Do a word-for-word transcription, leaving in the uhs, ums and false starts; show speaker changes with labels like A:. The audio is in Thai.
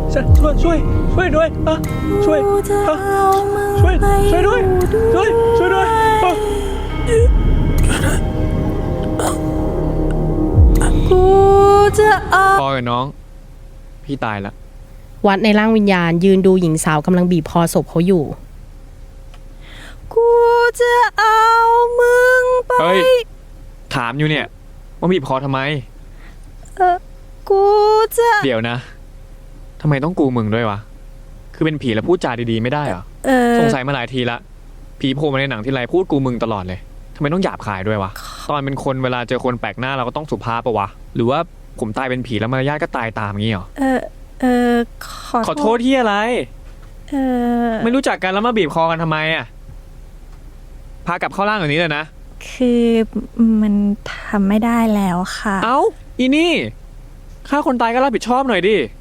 A: ช่วยช่วยช่วยด้วยอ่ะช่วยอ่ะช่วยช่วยด้วยช่วยช่วยด้วยอ่ะ
B: กูจะเอา
A: พอกับน้องพี่ตายละ
C: วัดในร่างวิญญาณยืนดูหญิงสาวกำลังบีบคอศพเขาอยู่
B: กูจะเอามึงไป
A: เฮ้ยถามอยู่เนี่ยว่าบีบคอทำไม
B: เออกูจะ
A: เดี๋ยวนะทำไมต้องกูมึงด้วยวะคือเป็นผีแล้วพูดจาดีๆไม่ได้เหรอ
B: เออ
A: สงสัยมาหลายทีละผีโผล่มาในหนังที่ไรพูดกูมึงตลอดเลยทำไมต้องหยาบคายด้วยวะตอนเป็นคนเวลาเจอคนแปลกหน้าเราก็ต้องสุภาพปะวะหรือว่าผมตายเป็นผีแล้วมารยาทก็ตายตามงี้เหรอ
B: เออเออขอ
A: ขอโทษที่อะไร
B: เออ
A: ไม่รู้จักกันแล้วมาบีบคอกันทำไมอ่ะพากลับเข้าร่างอย่างนี้เลยนะ
B: คือมันทำไม่ได้แล้วค่ะ
A: เอ้าอีนี่ฆ่าคนตายก็รับผิดชอบหน่อยดิ